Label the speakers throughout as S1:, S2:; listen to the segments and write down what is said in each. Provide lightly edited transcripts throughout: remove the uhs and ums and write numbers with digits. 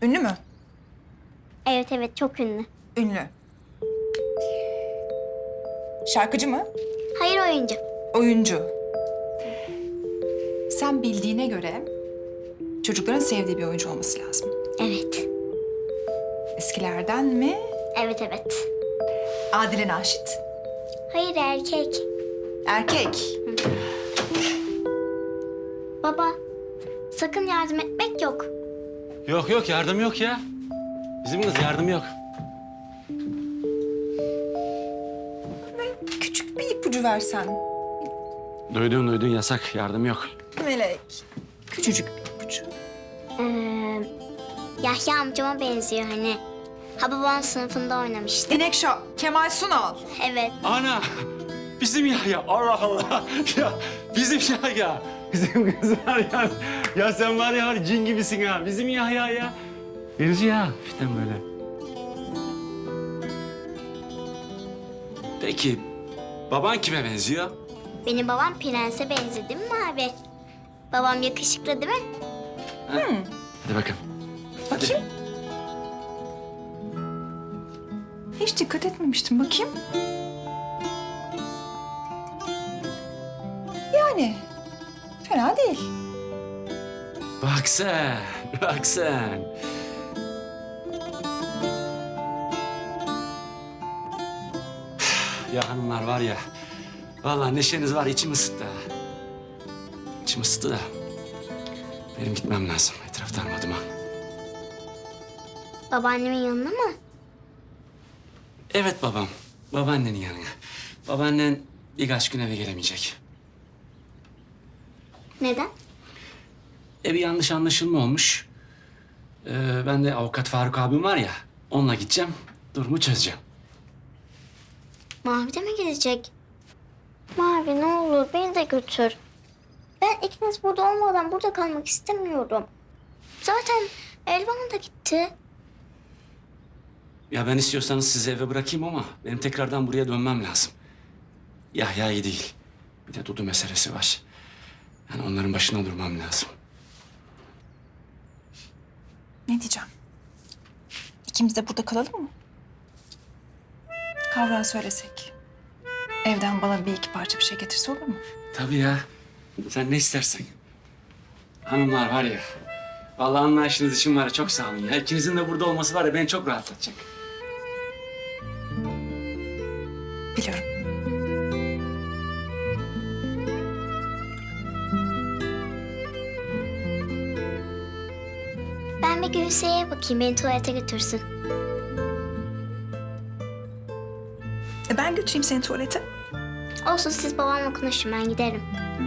S1: Ünlü mü?
S2: Evet evet çok ünlü.
S1: Ünlü. Şarkıcı mı?
S2: Hayır oyuncu.
S1: Oyuncu. Sen bildiğine göre çocukların sevdiği bir oyuncu olması lazım.
S2: Evet.
S1: Eskilerden mi?
S2: Evet evet.
S1: Adile Naşit.
S2: Hayır erkek.
S1: Erkek.
S2: Baba sakın yardım etmek yok.
S3: Yok yok yardım yok ya. Bizim kız yardım yok.
S1: Küçük bir ipucu versen.
S3: Duydun yasak yardım yok.
S1: Melek. Küçücük bir ipucu.
S2: Yahya amcama benziyor hani. Hababam sınıfında oynamıştı.
S1: Dinekşah, Kemal Sunal.
S2: Evet.
S3: Ana bizim ya Allah Allah ya bizim ya bizim kız var ya. Ya sen var ya cin gibisin ha bizim ya. Benziyor ya işte böyle. Peki baban kime benziyor?
S2: Benim babam prense benzedi değil mi abi? Babam yakışıklı değil mi?
S3: Hadi bakalım.
S1: Bakayım. Hiç dikkat etmemiştim. Bakayım. Yani fena değil.
S3: Bak sen, bak sen. Ya hanımlar var ya, vallahi neşeniz var içim ısıttı ha. İçim ısıttı da benim gitmem lazım. Etraf darmadıma.
S2: Babaannemin yanına mı?
S3: Evet babam, babaannenin yanına. Babaannen birkaç gün eve gelemeyecek.
S2: Neden?
S3: Bir yanlış anlaşılma olmuş. Ben de avukat Faruk abim var ya, onunla gideceğim, durumu çözeceğim.
S2: Mavi de mi gidecek? Mavi ne olur beni de götür. Ben ikiniz burada olmadan burada kalmak istemiyorum. Zaten Elvan da gitti.
S3: Ya ben istiyorsanız sizi eve bırakayım ama benim tekrardan buraya dönmem lazım. Yahya iyi değil. Bir de Dudu meselesi var. Yani onların başına durmam lazım.
S1: Ne diyeceğim? İkimiz de burada kalalım mı? Kavrağa söylesek. Evden bana bir iki parça bir şey getirse olur mu?
S3: Tabii ya. Sen ne istersen. Hanımlar var ya. Vallahi anlayışınız için var ya çok sağ olun ya. İkinizin de burada olması var ya beni çok rahatlatacak.
S1: Biliyorum.
S2: Ben bir Gülse'ye bakayım beni tuvalete götürsün.
S1: Ben götüreyim seni tuvalete.
S2: Olsun siz babamla konuşun ben giderim.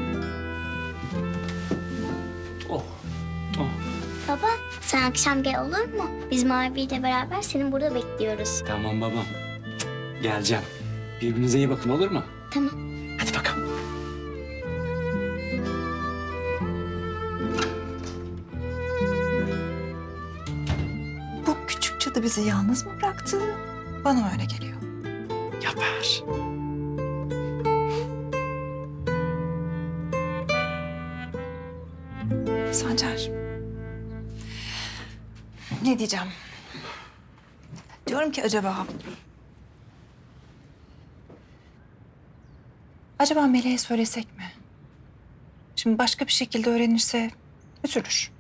S3: Oh. Oh.
S2: Baba sen akşam gel olur mu? Biz Mavi ile beraber seni burada bekliyoruz.
S3: Tamam babam. Geleceğim. Birbirinize iyi bakın olur mu?
S2: Tamam.
S3: Hadi bakalım.
S1: Bu küçük cadı bizi yalnız mı bıraktı? Bana öyle geliyor.
S3: Yapar.
S1: Sancar. Ne diyeceğim? Diyorum ki acaba... Acaba Meleğe söylesek mi? Şimdi başka bir şekilde öğrenirse üzülür.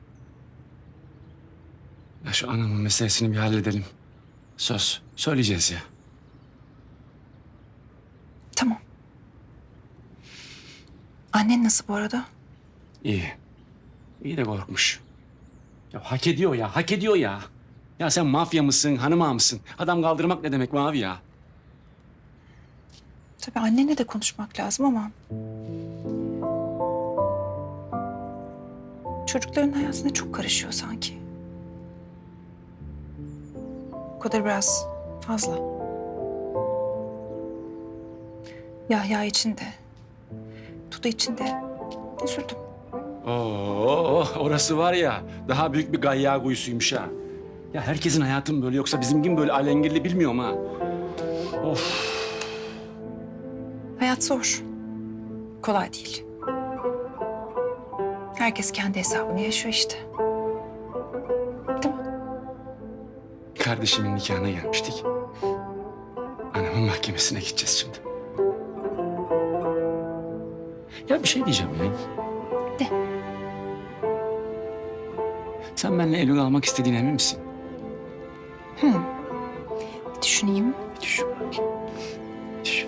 S3: Ya şu anamın meselesini bir halledelim. Söz. Söyleyeceğiz ya.
S1: Tamam. Annen nasıl bu arada?
S3: İyi. İyi de korkmuş. Ya hak ediyor ya, hak ediyor ya. Ya sen mafya mısın, hanım ağa mısın? Adam kaldırmak ne demek Mavi ya?
S1: Tabii annenle de konuşmak lazım ama... Çocukların hayatına çok karışıyor sanki. O kadar biraz fazla. Yahya için de, Dudu için de üzüldüm.
S3: Oo, orası var ya, daha büyük bir gayya kuyusuymuş ha. Ya herkesin hayatı mı böyle yoksa bizim gibi böyle alengirli bilmiyorum ha. Of.
S1: Hayat zor. Kolay değil. Herkes kendi hesabını yaşıyor işte. Değil mi?
S3: kardeşimin nikahına gelmiştik. Anamın mahkemesine gideceğiz şimdi. Ya bir şey diyeceğim ya.
S1: De.
S3: Sen benimle Eylül almak istediğine emin misin?
S1: Bir düşüneyim.
S3: Düşün. Düşün.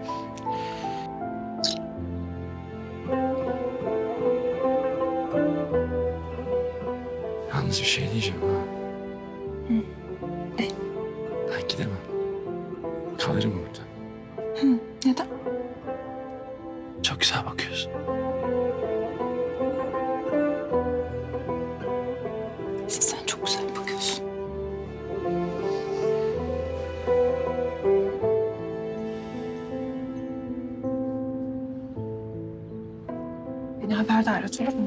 S3: Yalnız bir şey diyeceğim ha.
S1: Ne?
S3: Ben gidemem. Kalırım burada.
S1: Neden?
S3: Çok güzel bakıyorsun.
S1: Sen çok güzel bakıyorsun. Beni haberdar et, olur mu?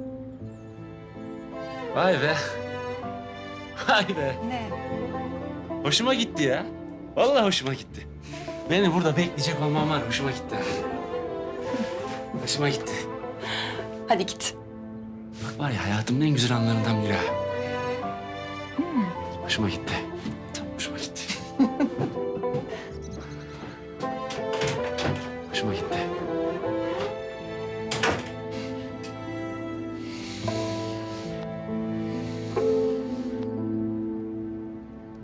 S3: Vay be. Vay be.
S1: Ne?
S3: Hoşuma gitti ya. Vallahi hoşuma gitti. Beni burada bekleyecek olmam var. Hoşuma gitti. Hoşuma gitti.
S1: Hadi git.
S3: Bak var ya hayatımın en güzel anlarından biri ha. Hoşuma gitti. Hoşuma gitti.